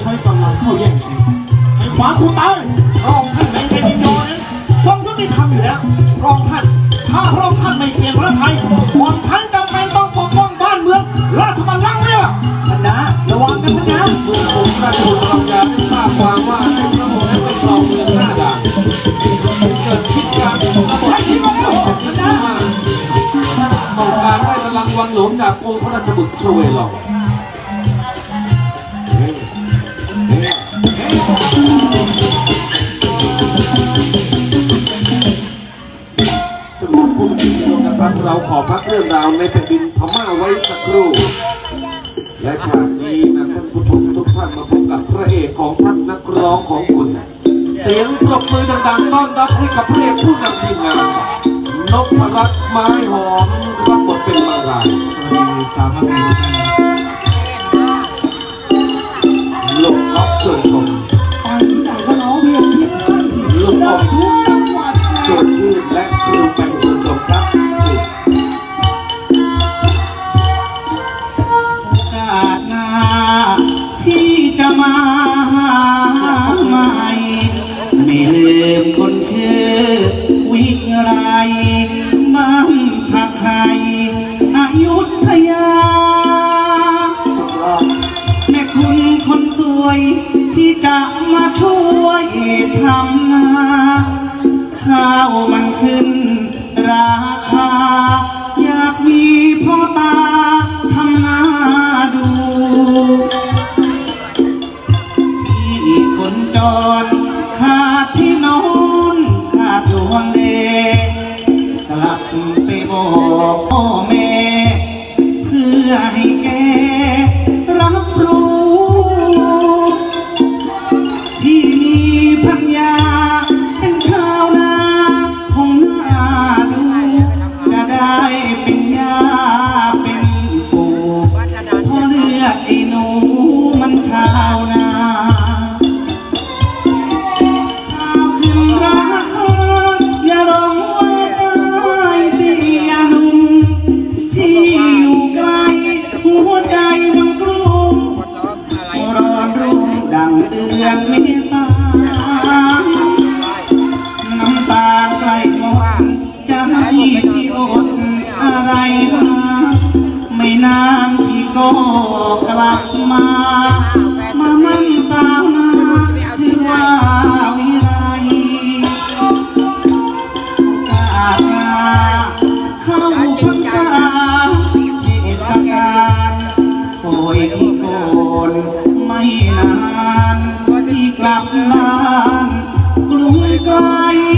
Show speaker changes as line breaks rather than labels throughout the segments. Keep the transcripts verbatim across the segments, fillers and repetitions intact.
ช้กำลังเข้าแย่งชิงไอ้ขวาคูตายรองท่านแมงเงินยินโยนั้นทรงยุติธรรมอยู่แล้วรองท่านถ้ารองท่านไม่เปลี่ยนพระไทยหม่อมฉันจำเป็นต้องปกป้องบ้านเมืองราชบัลลังก์เนี่ยท่านนะระวังนะท่านนะเมื่อผมราชบุตรเราจะได้ทราบความว่าในพระองค์นั้นเป็นครองเมืองหน้าด่านเกิดคิดการระบบให้คิดว่าท่านนะต้องการได้พลังวังหลวงจากองค์พระราชบุตรชเวลองสำหรับผู้ที่ร่วมกันพักเราขอพักเรื่องราวในแผ่นดินพม่าไว้สักครู่และฉากนี้นะท่านผู้ชมทุกท่านมาพบกับพระเอกของท่านนักร้องของคุณเสียงปรบมือดังๆต้อนรับให้กับพระเอกผู้นำทีมงานนพรัตน์ไม้หอมรับบทเป็นมังรายสวัสดีสามท่านลูกอ๊อฟส่วนชมตอนที่ไหนก็ร้องเพลงที่บ้านลูกอ๊อฟทุกจังหวัดส่วนชื่อและครูแปงส่วนชมครับชื่อ
โอกาสหน้าพี่จะมาหาใหม่ไม่ลืมคนชื่อวิไลบ้านผักไห่อยุธยาแม่คุณคนสวยที่จะมาช่วยทำนาข้าวมันขึ้นราคาอยากมีพ่อตาทำนาดูพี่คนจรขาดที่นอนขาดดวงเดกลับไปบอกพ่อแม่เพื่อให้แกรับรู้พี่มีพัญญาเป็นชาวนาคงน่าดูจะได้เป็นยาเป็นปู่เพราะเลือดไอ้หนูมันชาวนาข้าวขึ้นราคาอย่าลงว่าได้เสียหนุ่มพี่อยู่ไกลหัวใจมันกลุ้มร้อนรุ่มดังเดือนเมษาน้ำตาใกล้หมดจะให้พี่อดอะไรมาไม่นานพี่ก็กลับมามามั่นสาวนาชื่อว่าวิไลโอกาสหน้าเข้าพรรษาเทศกาลคอยพี่โกนไม่นานพี่กลับบ้านกรุงไกล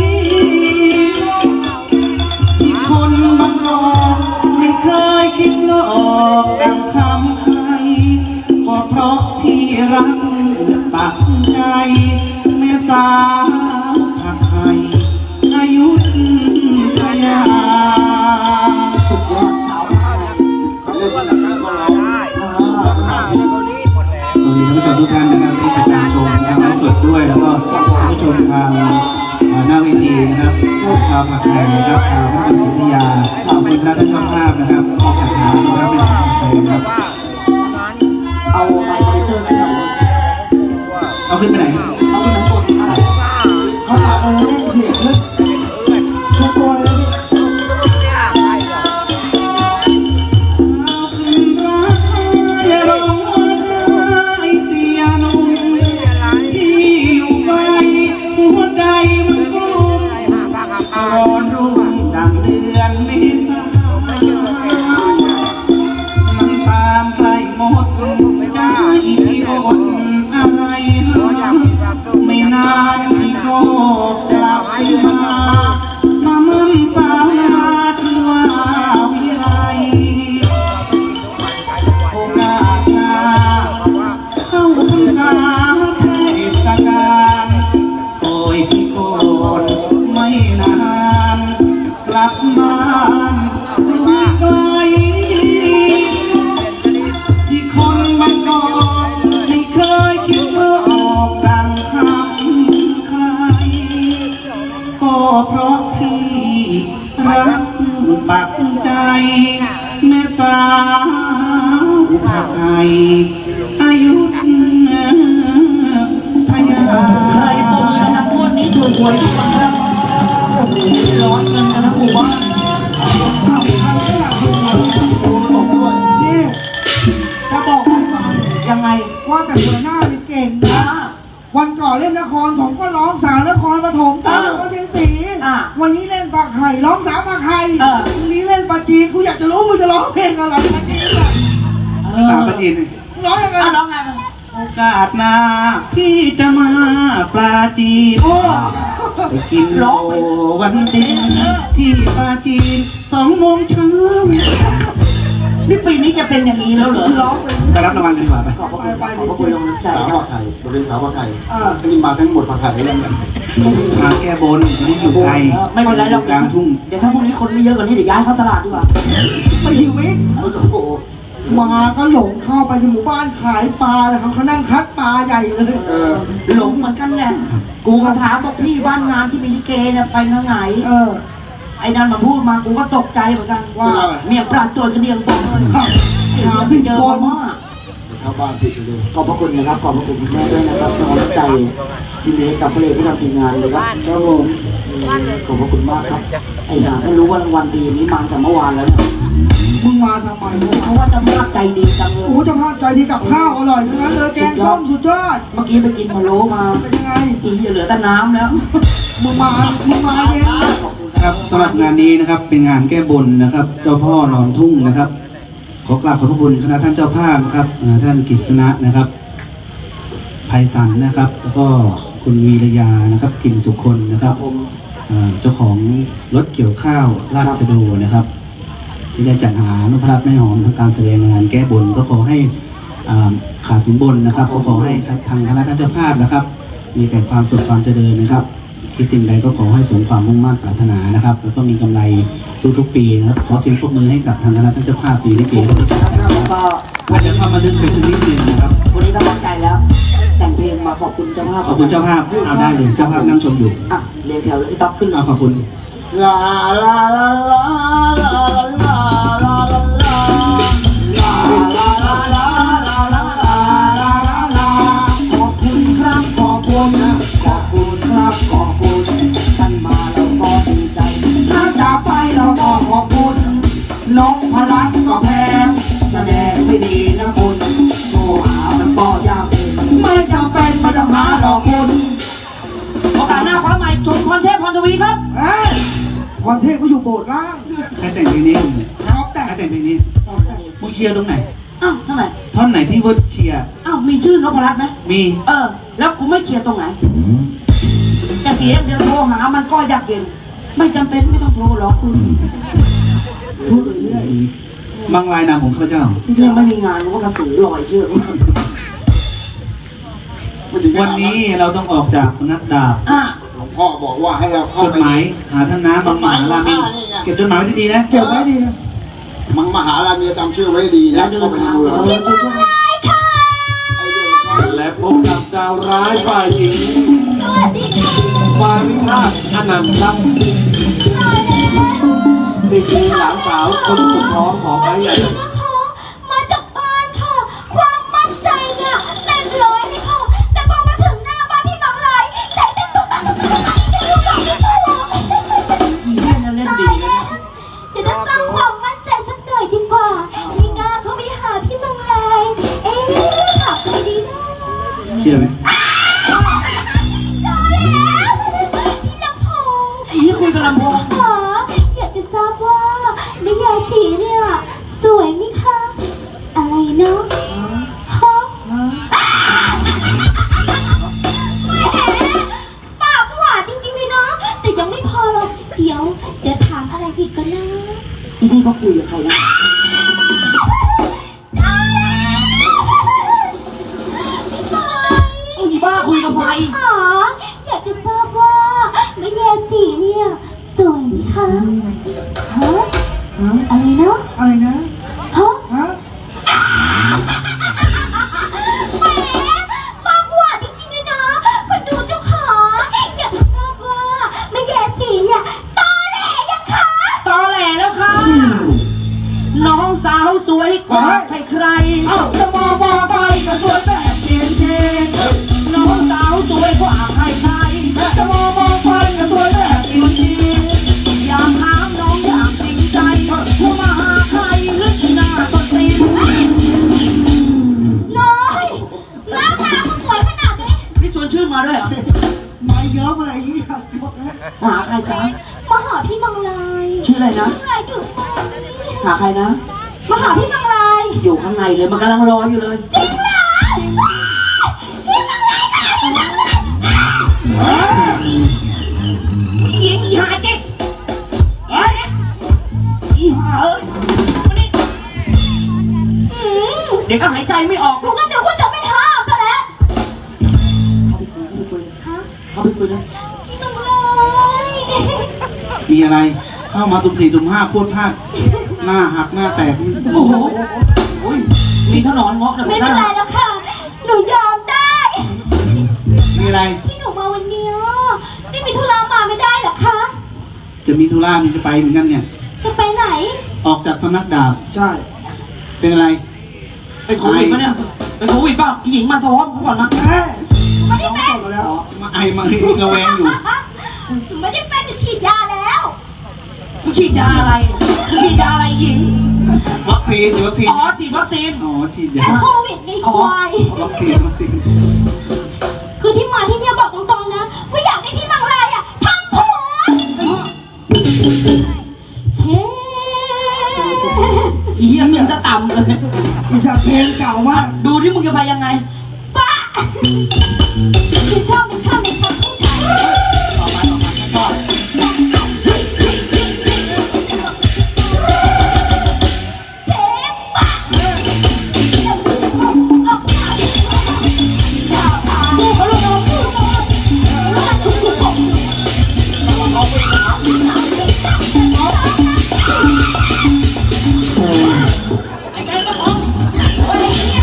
พี่คนบางกอกไม่เคยคิดหลอกดังคำใครก็เพราะพี่รักปักใจแม่สาวผักไห่อายุทยา
สุดยอดสาวไทยเขาเรียกว่าหลังหน้าก็ร้อง
สวัสดีท่านผู้ชมทุกท่านนะครับที่ติดตามชมทางไลฟ์สดด้วยแล้วก็ท่านผู้ชมทางหน้าเวทีนะครับชาวผักไห่นะครับชาวพระศรีอยุธยาขอบคุณท่านเจ้าภาพนะครับที่จัดงานนะครับเป็นของแฟนครับ
เอาไมค์มอนิเตอร์ขึ้นหน่อย
เอาขึ้นไปไหน
เอาขึ้นหน่อยกดเขาถามเราเล่นเสียงเลยทุกตัวเลย
ร้อนรุ่มดังเดือนเมษาน้ำตาใกล้หมดใจพี่อดอะไรหาไม่นานพี่ก็กลับมามามั่นสาวนาชื่อว่าวิไลโอกาสหน้าเข้าพรรษาเทศกาลคอยพี่โกนไม่นานกลับบ้านไม่ไกลที่คนบางกอกไม่เคยคิดว่าออกดังคำใครก็เพราะพี่รักปักใจแม่สาวผักไห่อายุ
หวยที่มันแบบโอ้โหร้อนเงินกันทั้งหมู่บ้าน
อ้าวใครก็อยากดูหวยตกด้วยนี่จะบอกให้ฟัง
ยังไง
ว่าแต่หัวหน้านี่เก่งนะ
อ่ะ
วันก่อนเล่นนครผมก็ร้องสาวนครปฐมตาม
เออ
ก็เทียสี
อ่ะ
วันนี้เล่นปากไห่ร้องสาวปากไห่
เออ
วันนี้เล่นปาจีนกูอยากจะรู้มึงจะร้องเพลงอะไรปาจีนอ่ะ
สาวประจีน
ร้องยังไง
อ่ะร้องไงมั้ง
โอกาสหน้าพี่จะมาปลาจีน
โอ้
ไปกินโลวันเด็กที่ปลาจีนสองโมงเช้า
นี่ปีนี้จะเป็นอย่างนี้แล้วเหรอร้องเป็น
ไปรับรางวัลกันดีกว่าไป
ขอบพระคุณขอบพระคุณลงน้ำใจ
สาว
ครั
ผั
บ
กไข่บริเวณสาวผักไข่
เออ
อันนี้มาทั้งหมดผักไข่ยังไง
มาแก้บนไม่อยู่ไกล
ไม่เป็นไรหรอก
กลางทุ่ง
เดี๋ยวถ้าพรุ่งนี้คนไม่เยอะกว่านี้เดี๋ยวย้ายเข้าตลาดดีกว่า
ไปหิวมิก
โอ้โห
มาก็หลงเข้าไปในหมู่บ้านขายปลาเลยเขาเขานั่งคัดปลาใหญ่เลย
เออ
หลงเหมือนกันแหละกูก็ถามบอกพี่บ้านงานที่มีลิเกเนี่ยไปทางไหน
เออ
ไอ้นั่นมาพูดมากูก็ตกใจเหมือนกัน
ว่า
เมียปราดตัวกันเดียงปองเลย
ถามพี่
เจอ
โก
มาน ม่า
เข้าบ้านผิดไปเลย
ขอบพระคุณนะครับขอบพระคุณคุณแม่ด้วยนะครับน้องน้ำใจที่มีให้กับพระเอกที่ทำทีมงานเลยครับครับผมขอบพระคุณมากครับไอ้ห่าถ้ารู้ว่ารางวัลดีนี้มาแต่เมื่อวานแล้วนะ
มึงมาทำไมวะ
เพราะว่าเจะภาพใจดีจังเล
โอ้
ย
โหเจะพาพใจดีกับข้าวอร่อยทั้งนั้นเลยแกงส้มสุดยอด
เมื่อกี้ไปกินพะโล้มา
เป็นยังไง
อีจะเหลือแต่น้ำแล้ว
มึงมา มึงมาเย็นนะ
ขอบคุณ
ครับสำหรับงานนี้นะครับเป็นงานแก้บนนะครับ เจ้าพ่อนอนทุ่งนะครับ ขอกราบขอบพระคุณคณะท่านเจ้าภาพนะครับอ่าท่านกฤษณะนะครับไพศาลนะครับ แล้วก็คุณวีรยานะครับกลิ่นสุคนนะ
ค
ค
รั
รั
บบ ผม
อ่าเจ้าของรถเกี่ยวข้าวราชโดนะครับ ที่ได้จัดหานพรัตน์แม่หอมทำการแสดงงานแก้บนก็ขอให้อ่าขาดสินบนนะครับก็ขอให้ทางคณะท่านเจ้าภาพนะครับ มีแต่ความสุขความเจริญนะครับคิดสิ่งใดก็ขอให้สมความมุ่งมั่นปรารถนานะครับ แล้วก็มีกำไรทุกๆปีนะครับขอเสียงปรบมือให้กับทางคณะท่านเจ้าภาพปีนี้ปีนี้
แล้วก็
อาจจะเข้ามาดึงไปสักนิดนึงนะครับ
วันนี้ก็ตั้งใจแล้ว แต่งเพลงมาขอบคุณเจ้าภาพ
ขอบคุณเจ้าภาพเอาได้เลยเจ้าภาพนั่งชมอยู่
อ่ะเรียงแถวเลยพี่ต๊อกขึ้น
เอาขอบคุณ
ลาลาลาลาลาลาลาลาลาลาลาลาลาลาลาลาลาลา
ขอบคุณครับขอบคุณนะขอบคุณครับขอบคุณท่านมาเราก็ดีใจ
ถ้าจะไปเราก็ขอบคุณน้องพลักก็แพง
แสดงไม่ดีนะคุณโทรหามันก็ยากเอง
ไม่จำเป็นไม่ต้องหาหรอกคุณ
โอกาสหน้าคว้าใหม่ชมพรเทพพรทวีครับ
เอ้ยวันเทพก็อยู่โบสถ์ล่าง
ใครแต่งเพลงนี้
ชอบแต่
ใครแต่งเพลงนี้มึงเชียร์ตรงไหน
อ้าวทำไม
ท่อนไหนที่ว่าเชียร์
อ้าวมีชื่อนพรัตน์ไหม
มี
เออ แล้วกูไม่เชียร์ตรงไหนแต่เสียงเดียวโทรหามันก็ยากเย็น ไม่จำเป็นไม่ต้องโทรหรอกคุณพูดเรื่อย
บางรายนามของข้าพเจ้า
ที่เรื่องไม่มีงานมันก็กระสือลอยเชือก
วันนี้เราต้องออกจากสำนักดาบ
อ่ะ
หลวงพ่อบอกว่าให้เราเข้า
จด
ไป
หมายหาท่านน้ำบางมหารามินเก็บจดหมายไว้ดีๆนะ
เก็บไว้ดี
มังมหารามีจำชื่อไว้ดี
แล้
นะ
วเดิ
เข้าน ไปใน
ทาง
เมือง
เออช่วยๆ
ไอ้เรื่องเข้า
และพบกับดาวร้ายฝ่ายหญิงมาริชาติอนันต์ครับนี่คือหลานสาวคนสุดท้องของไอ้ใหญ่
นะคะมาจากบ้านค่ะ ความมั่นใจเนี่ยเต็มร้อยเลยค่ะ แต่พอมาถึงหน้าบ้านพี่น้องไรใจเต้นตุ๊กตาตุ๊กตาตุ๊กตาลูกหลานไม่ตัวเรา
อีเล่นน่ะเล่นดีเลยนะ
เดี๋ยวจะสร้างความมั่นใจสักหน่อยดีกว่ามีงาเขาไปหาพี่น้องไรเอ๊ะหาใครดีนะ
เชื่อไหม
เจอแล้วพี่น้ำพงษ์
อีคุยกับลำโพง
ขออยากจะทราบว่าแม่ยายสีเนี่ยสวยไหมคะ อะไรเนาะฮะ ปากหวานจริงๆเลยเนาะแต่ยังไม่พอหรอกเดี๋ยว เดี๋ยวถามอะไรอีกก็นะ
อีนี่เขาคุยกับใครนะอีบ้าคุยกับใคร
อ๋ออยากจะทราบว่าแม่แยสีเนี่ยสวยไหมคะฮะอะไรเนาะ
อะไรนะ
ฮะ
ฮะ
แหมปากหวานจริงๆเลยเนาะคนดูเจ้าของอยากจะทราบว่าแม่แยสีเนี่ยตอแหลยังคะ
ตอแหลแล้วค่ะ น้องสาวสวยกว่าใครใคร
เอ้าจะมาว่าไปก็สวยแบบเย็นเย็น
น้องสาวสวยกว่าใครใคร
จะมาว่าไป
นมาด้วยเหรอ
มาเยอะอะไรอย่างเงี้ย
มาหาใครจ๊ะ
มาหาพี่มังลาย
ชื่ออะไรนะ
มังลายอยู่ไหน
หาใครนะ
มาหาพี่มังลาย
อยู่ข้างในเลยมันกำลังรออยู่เลย
จริงเหรอพี่มังลายค่ะพี่มังลาย
ยิงอีหาเจ๊กเอ้ยอีหาเอ้ยมานี่
อืม
เดี๋ยวก็หายใจไม่ออก
พวกนั้นเดี๋ยวว่าจะไม่ห้ามซะแล้ว
เข้าไปคุยเข้าไปคุยเลย
ฮะ
เข้าไปคุยเลย
พี่มังลาย
มีอะไรเข้ามาตุ่มสี่ตุ่มห้าพูดพลาดหน้าหักหน้าแตก
โอ้โหโอ้ยมีถนอนเงาะนะ
ไม่เป็นไรแล้วค่ะ หนูยอมได้
มีอะไร
ที่หนูมาวันเนี้ยไม่มีธุระมาไม่ได้เหรอคะ
จะมีธุระนี่จะไปเหมือนกันเนี่ย
จะไปไหน
ออกจากสำนักดาบ
ใช่
เป็นอะไร
เป็นโควิดปะเนี่ยเป็นโควิดเปล่าอีหญิงมาสวอปกูก่อนมา
เอ้ย
ไม่ได้เป็น
มาแล้ว
มาไอมาระแวงอยู่
หนูไม่ได้เป็นฉีดยาแล้ว
มึงฉีดยาอะไรมึงฉีดยาอะไรหญิง
วัคซีนวัคซีน
อ๋อฉีดวัคซีน
อ๋อฉีดยา
แค่โควิดไงควาย
วัคซีนวัคซีน
คือที่มาที่เนี่ยบอกตรงๆนะว่าอยากได้ที่มังลายอ่ะทำผัวเชฟ
อีเหี้ยมึงจะต่ำเลย
อีสัตว์เพลงเก่ามาก
ดูที่มึงจะไปยังไง
ป้าคือชอบเป็นชอบเป็นคนผู้ชาย
ต่อไปต่อไปต่อ
เชฟป้าสู้เขาเลยสู้ไอ้แกก็ท้องไอ้เนี่ย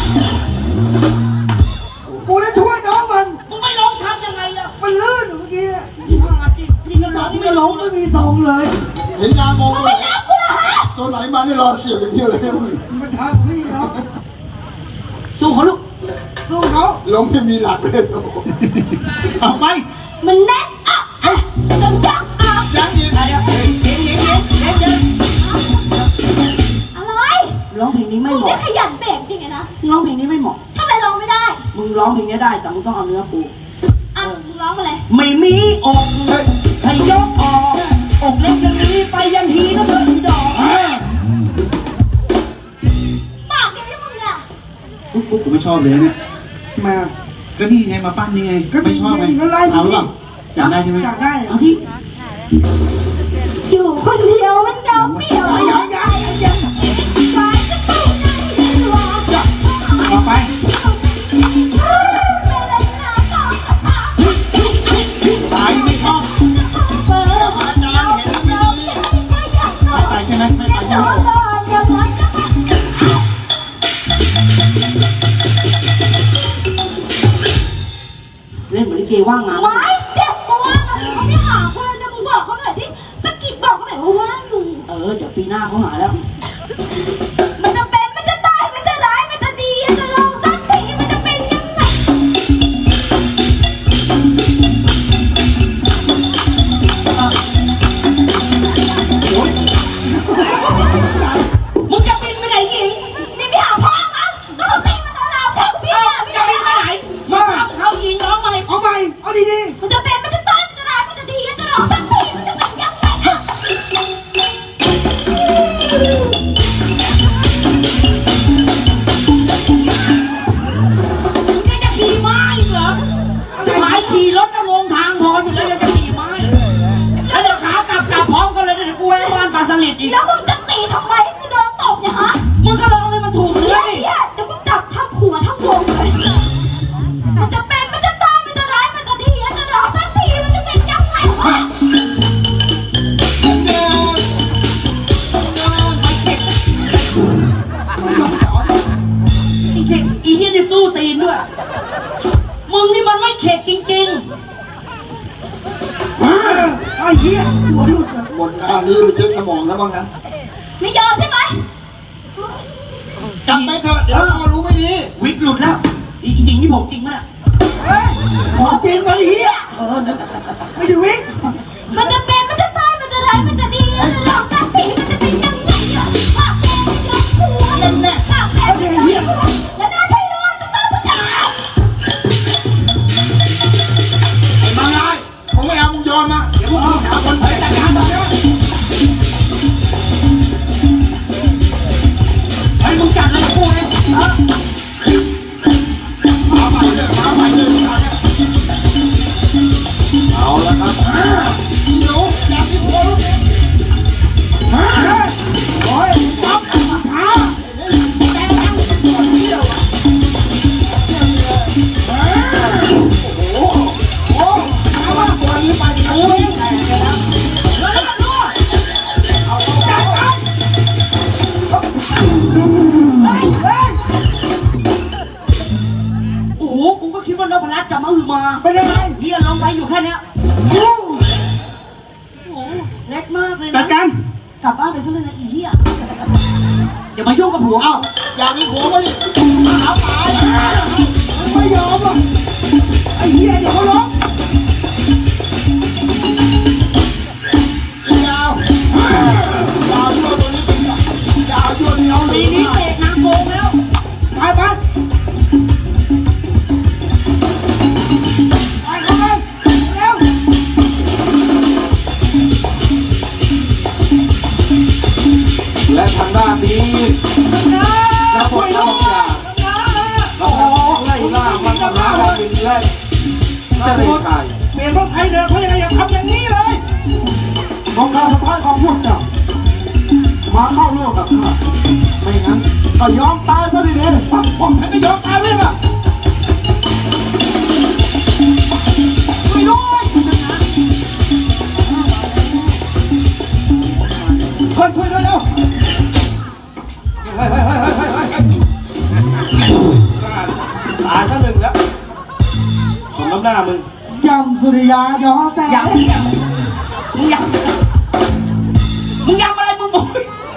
กูจะช่วยน้องมัน
มึงไม่ร้องทำยังไงล่ะ
มันลื่นเมื่อกี้เนี่ย
อีห่าจริงนี่ก็ร้อง
ไม่
ไม่
ล
ร้อง
งไม่มีทรงเลย
เห็นงานมอง
มึง
เล
ไม่
ย
รักกูเหรอฮะ
ตัวไหนมานี่รอเสียบอย่างเดียวเลย
มันทักพี่เนาะ
สู้เขาลูก
สู้เขา
ล้มไม่มีหลักเลย
ออกไป
มันแน่นอ่ะอ่ะต้องยักอ่ะ
ยังอีก
เดี๋ยวเดี๋ยวเดี๋ยวเดี๋ยวเดี๋ยวเดี๋ยว
อะไร
ร้องเพลงนี้ไม่
มึง
เห
ไม่
มาะ
ขยันเบรกจริงไงนะ
ร้องเพลงนี้ไม่เหมาะ
ทำไมร้องไม่ได้
มึงร้องเพลงนี้ได้แต่มึงต้องเอาเนื้อกู
อ่ะมึงร้องมาเลย
ไม่มีอกให้ยกออกอกเล็กอย่างนี้ไปยันทีก็เถิดดอก
ปากเดียวที่มึงอ่ะ
ปุ๊บปุ๊บกูไม่ชอบเลยเนี่ย
มา
ก็นี่ไงมาปั้นนี่ไง
ก็
ไม่ชอบไง
ก็ไล่
เอาหรออยากได้ใช่ไหม
อยากได้
เอาที่
อยู่คนเดียวมันเหงาเปลี่ยว
อยากอยากอยาก
ไปก็ไปนั่งดีกว่า
ต่อไป
ไม่ได้น้ำต่อต่อ
ตายไม่ชอบ
เปิดเราเราอยากไปอยาก
ไม่ไปใช่ไหมไม่ไปใช่
น
ไหม
อนนอนอยากรักกัน
เล่นเหมือนลิเกว่างงาน
ไว้เจ็บตัวตอนนี้เขาไม่หาคนจะมึงบอกเขาหน่อยสิสะกิดบอกเขาหน่อยว่าว่างอยู่
เออเดี๋ยวปีหน้าเขาหาแล้ว
มันจะเป็นมันจะตายมันจะร้ายมันจะดีมันจะลงสักทีมันจะเป็นยังไง
มึงจะบินไปไหนหญิง
นี่ไม่หาพ่อมั้งก็เขาตีมันตลอดแทงพี่อ่ะ
มึงจะบินไปไหน
มา
เขาหญิงร้องมาเลย
เอาใหม่เอาดี
มันจะเป็นมันจะตายมันจะร้ายมันจะดีมันจะลงสักทีมันจะเป็นยังไงอ่ะ
มึงยังจะขี่ม้าอีกเหรอหายขี่รถก็งงทางพออยู่แล้วยังจะขี่ม้าอีกแล้วเดี๋ยวขากลับกลับพร้อมกันเลยเดี๋ยวกูแวะบ้านปลาสลิดอีก
แล้วมึงจะตีทำไมกูโดนตบเนี่ยฮะ
มึงก็ร้องให้มันถูกเนื้อ
เฮ้ย
ดิ
เดี๋ยวกูจับทั้งหัวทั้งวงเลยมันจะเป็นมันจะตายมันจะร้ายมันจะดีมันจะลงสักทีมันจะเป็นยังไงวะ
อีเด็กอีเหี้ยนี่สู้ตีนด้วย มึงนี่มันไม่เข็ดจริง
ๆไอ้เหี้ยหัวหลุด
หมดหน้านี้ไปเช็คสมองแล้วบ้างนะ
ไม่ยอมใช่ไหม
กลับไปเถอะเดี๋ยวพ่อรู้ไม่ดี
ๆ วิกหลุดแล้ว อีหญิงนี่ผมจริงมั้ย
เฮ้ยของจริงมาไอ้เหี้ย
เออนะ
ไม่อยู่วิ่ง
มันจะเป็นมันจะตายมันจะร้ายมันจะดีมันจะลงสักทีมันจะเป็นยังไงอ่ะปากแดงมันยกหัวเล่นแหละปากแดงมันยกหัวแล้วหน้าไทยรัวจะมาผู้ชาย
พรัตน์กับมะฮือมา
เป็นยังไง
เฮียลงไปอยู่แค่เนี้ยโอ้โหเล็กมากเลย
จั
นะ
ดการ
กลับบ้านไปซะเลยนะอีเฮียอย่ามายุ่งกับผัว
เอ้าอยากมีผัวมาดิเอาตายไม่ยอมอ่ะไอ้เหี้ยเดี๋ยวเขาล้มยาวยาวยั่วตัวนี้ยาวยั่วเหนียว
ปีนี้เตะนางโกงแล้ว
ไปไปไปเข้าไปเร็ว
และทางด้านนี้กระบวนการเราไล่ล่ามันมาหาเราเป็นและจะได้ใคร
เปลี่ยนรถไทยเดินเพราะยังไงอย่าทำอย่างนี้เลยของการสะพานของพวกเจ้ามาเข้าร่วมกับข้าไม่งั้นก็ยอมตายซะดีๆปักผมฉันก็ยอมตายเลยล่ะช่วยด้วยเฮ้ยช่วยด้วยเร็วเฮ้ยเฮ้ยเฮ้ยเฮ้ยเฮ้ยเฮ้ยตายซะหนึ่งแล้วสมน้ำหน้ามึง
ยำสุริยาย้อแสง
ยำมึงยำมึงยำอะไรมึงบอก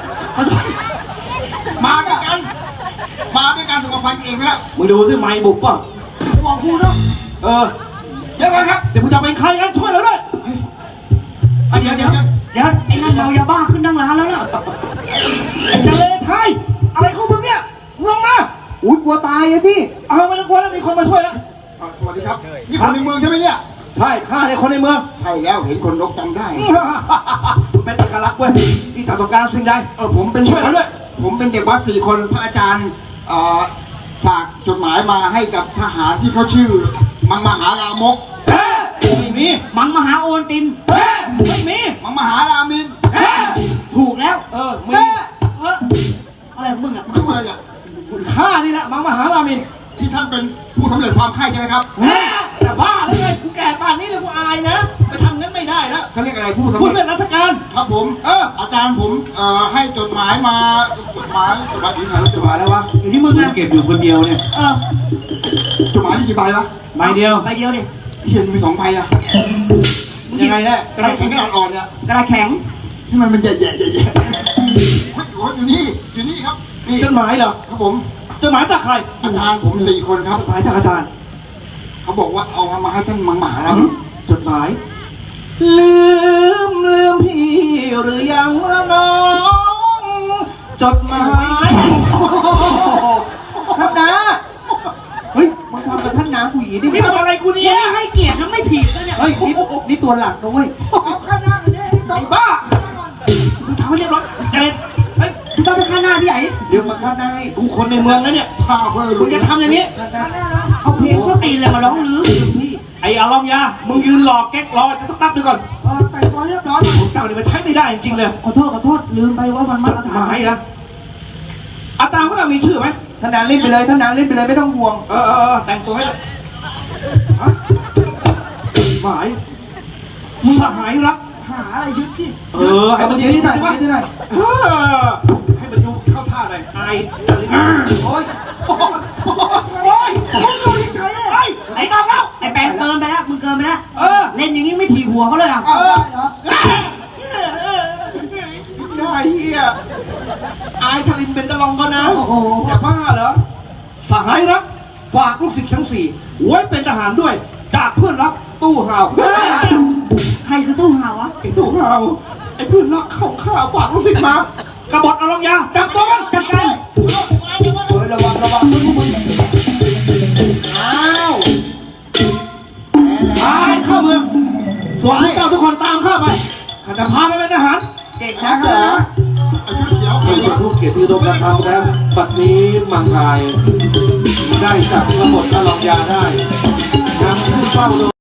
มาด้วยกัน มาด้วยกันสุขภัณฑ์เองแล้วมึงดูสิไม่บุกป่ะ
ห่วงกูเนาะ
เออเดี๋ยวกันครับ เดี๋ยวมึงจะเป็นใครกันช่วยเราด้วยเฮ้ยเดี๋ยวเดี๋ยวเดี๋ยว
เดี๋ยวไอ้นั่นเมายาบ้าขึ้นนั่งร้านแล้วล่ะ
ไอ้เจเลชายอะไรของมึงเนี่ยมึงลงมา
อุ้ยกลัวตายอะพี่
เอาไม่ต้องกลัวแล้วมีคนมาช่วยแล้วสวัสดีครับ นี่คนในเมืองใช่ไหมเนี่ย ใช่ข้าในคนในเมือง ใช่แล้วเห็นคนนกจำได้ เป็นเอกลักษณ์เว้ยที่ต้องการสิ่งใดเออผมเป็นช่วยเราด้วย ผมเป็นเด็กวัดสี่คนพระอาจารย์เอ่อฝากจดหมายมาให้กับทหารที่เขาชื่อ มังมหาลามกเฮ้ไม่มี
มังมหาโอนติน
เฮ้ไม่มี มังมหารามินเฮ้
ถูกแล้ว
เออมี
เอออะไรของมึงอ่ะ
คืออะไรเนี่ยข้านี่แหละมังมหารามิน ที่ท่านเป็นผู้สำเร็จความใคร่ใช่ไหมครับแต่บ้าแล้วไงกูแก่ป่านนี้เลยกูอายนะไปทำงั้นไม่ได้แล้วเขาเรียกอะไรผู้สำ
พูด
เร็จ
เป็นราชการ
ครับผม เออ อาจารย์ผมเอ่อให้จดหมายมาจดหมายจดหมายถึงไหนจดหมายแล้ววะ
อยู่ที่มึง
มึง
นะ
เก็บอยู่คนเดียวเนี่ย
เออ
จดหมายที่กี่ใบวะ
ใบเดียว
ใบเดียวดิ
ที่เห็นมีสองใบอะยังไงแน่กระดาษแข็งกระดาษอ่อนเนี่ย
กระดาษแข็ง
ที่มันมันแย่ๆแย่ๆอยู่อยู่นี่อยู่นี่ครับนี่จดหมายเหรอครับผมจดหมายจากใครอาจารย์ผมสี่คนครับจดหมายจากอาจารย์เขาบอกว่าเอามาให้ท่านมังหมาแล้วจดหมาย ลืมลืมพี่หรือยังละน้องจดหมาย
ท่านนาเฮ้ยมึงทำกับท่านนาผู้หญิงดินี่ทำอะไรกูเนี่ยให้เกียรตินะไม่ผิดนะเนี่ยเฮ้ยนี่นี่ตัวหลักนะเว้ย
เอาข้างหน้ากันเนี่ยให้ต
ไอ้
ก
บ้ามึงทำให้เรียบร้อยเอ็ด
เฮ้ยมึงต้องไปข้างหน้าที่ไหน
เดี๋ยวมาข้างหน้าให้กูคนในเมืองนะเนี่ยพาเพื่อนมึงจะทำอย่างนี้
ข้างหน้านะ
เอาเพลงเขาตีนเลยมาร้องลือพี่
ไอ้อาลองยา มึงยืนรอแก๊กรอจะสักแป๊บนึงก่อน
เออแต่งตัวเรียบร้อยก่อน
ผมเจ้านี่มันใช้ไม่ได้จริงๆเลย
ขอโทษขอโทษลืมไปว่ามัน
จ
มา
ดหมายนะอาจารย์พวกเรามีชื่อไหม
ท่านนาเล่นไปเลยท่านนาเล่นไปเลยไม่ต้องห่วง
เออเออเออแต่งตัวให้เลยฮะหมายมึงสหายรัก
หาอะไรยึดที่
เออให้มัน
เดี๋ยวนี้หน่อย
ว่า
เดี๋ยวนี้หน่อย
เออให้มันดูเข้าท่าหน่อยอายอะไรนะโอ้ยโอ้ยโอ้ย
มึงอยู่เฉยๆเลย
ไอ้ไอ้น้องแล้ว
ไอ้แปงเกินไปแล้วมึงเกินไปแล้ว
เออ
เล่นอย่างนี้ไม่ถีบหัวเขาเลยอ่ะ
เอาได้เหรอ
ได้เฮียอายชลินเป็นตะลองก็นะ
โอ้โห
อย่าบ้าเหรอสหายรักฝากลูกศิษย์ทั้งสี่ไว้เป็นทหารด้วย จากเพื่อนรักตู้ห่าว
ใครคือตู้ห่าวะ
ไอ้ตู้ห่าวไอ้เพื่อนรักเข้าข้าฝากลูกศิษย์มากระบฏอารองยาจับตัวมันจับกัน
เฮ้ยระวังระวังมึงมึงอ้าว
พาเข้าเมืองส่วนพวกเจ้าทุกคนตามข้าไปข้าจะพาไปเป็นทหาร
เก่ง
หา
นะ
กันนะ
เราจะทุกเกียรติยศนะครับแล้วปัดนี้มังรายได้จับกบฏอลองยาได้นำขึ้นเฝ้าโดย